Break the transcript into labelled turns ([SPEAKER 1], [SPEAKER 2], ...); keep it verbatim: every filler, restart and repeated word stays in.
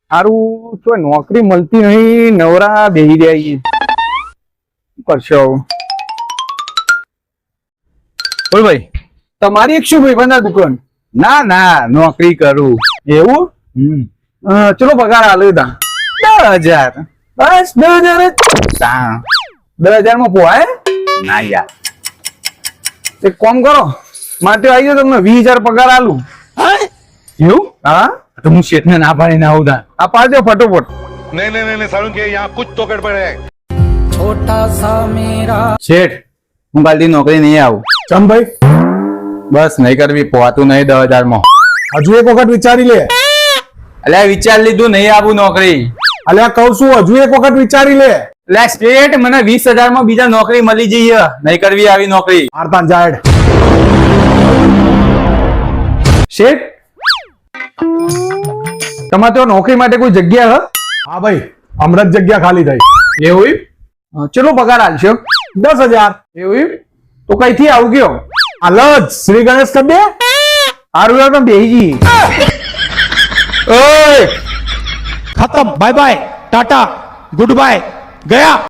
[SPEAKER 1] સારું તો નોકરી મળતી નહીં, નવરા બેહી રહ્યા છીએ. શું કરશો? બોલ ભાઈ, તમારી એક શું ભાઈ બંધા દુકાન? ના ના, નોકરી કરું. એવું? હમ ચલો પગાર આલ્યો તા દસ હજાર. બસ દસ હજાર જ? દસ હજાર માં પોહાય ના યાર. એક કામ કરો, માટે આવી જાવ, તમને વીસ હજાર પગાર આલું. એવું? હા તો હું શેઠ ને ના પાડીને આવું તા. આ પાડજો ફટોફટ.
[SPEAKER 2] नहीं नहीं नहीं सारुण के यहाँ कुछ तो गड़बड़ है.
[SPEAKER 3] छोटा सा मेरा
[SPEAKER 1] શેઠ, હું કાલથી નોકરી નહીં આવું.
[SPEAKER 4] ચમ ભાઈ,
[SPEAKER 1] બસ નહીં કરવી, પોહાતું નહીં દસ હજાર માં.
[SPEAKER 4] હજુ એક વખત વિચારી લે.
[SPEAKER 1] અલ્યા વિચાર લીધું, નહીં આવું નોકરી.
[SPEAKER 4] અલ્યા કહું છું, હજુ એક વખત વિચારી લે.
[SPEAKER 1] એટલે સ્ટેટ મને વીસ હજાર માં બીજા નોકરી મળી જઈએ, નહીં કરવી આવી નોકરી.
[SPEAKER 4] આરતા જાડ.
[SPEAKER 1] શેઠ, તમારે તો નોકરી માટે કોઈ જગ્યા હે?
[SPEAKER 4] હા ભાઈ, હમણાં જ જગ્યા ખાલી થઈ.
[SPEAKER 1] એવું એમ? ચલો પગાર આલશો.
[SPEAKER 4] દસ હજાર.
[SPEAKER 1] એવું એમ? તો કઈથી આવું ગયો?
[SPEAKER 4] હાલ જ શ્રી ગણેશ કર દે.
[SPEAKER 1] સારું યાર, તમે બેહી જઈએ. ઓય
[SPEAKER 5] खत्म, बाय बाय, टाटा, गुड बाय, गया.